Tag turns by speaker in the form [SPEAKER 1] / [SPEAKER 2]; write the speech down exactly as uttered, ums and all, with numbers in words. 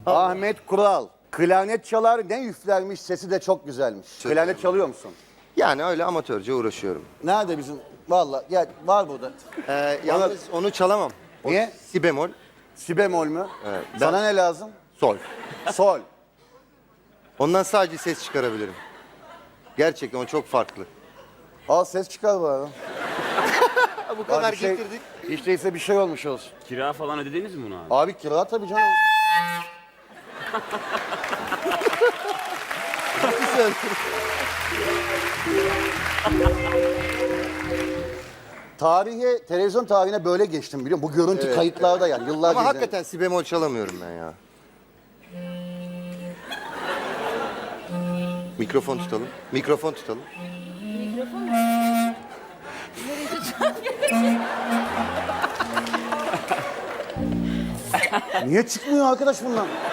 [SPEAKER 1] Ahmet Kural. Klarnet çalar, ne üflermiş, sesi de çok güzelmiş.
[SPEAKER 2] Çok
[SPEAKER 1] Klarnet çalıyor musun?
[SPEAKER 2] Yani öyle amatörce uğraşıyorum.
[SPEAKER 1] Nerede bizim? Vallahi ya var burada.
[SPEAKER 2] Ee, yalnız onu çalamam. O
[SPEAKER 1] Niye?
[SPEAKER 2] si bemol,
[SPEAKER 1] Si bemol mü?
[SPEAKER 2] Evet, ben-
[SPEAKER 1] Sana ne lazım?
[SPEAKER 2] sol.
[SPEAKER 1] Sol.
[SPEAKER 2] Ondan sadece ses çıkarabilirim. Gerçekten o çok farklı.
[SPEAKER 1] Al ses çıkar bari.
[SPEAKER 2] Bu
[SPEAKER 1] Abi
[SPEAKER 2] kadar
[SPEAKER 1] bir şey-
[SPEAKER 2] getirdik.
[SPEAKER 1] Hiç değilse bir şey olmuş olsun.
[SPEAKER 3] Kira falan ödediniz mi bunu abi?
[SPEAKER 1] Abi kira tabii canım. Tarihe, televizyon tarihine böyle geçtim biliyor musun? Bu görüntü
[SPEAKER 2] Evet,
[SPEAKER 1] kayıtlarda yani yıllarca
[SPEAKER 2] Ama
[SPEAKER 1] izledim.
[SPEAKER 2] hakikaten si bemol çalamıyorum ben ya. Mikrofon tutalım. Mikrofon tutalım.
[SPEAKER 1] Niye çıkmıyor arkadaş bundan?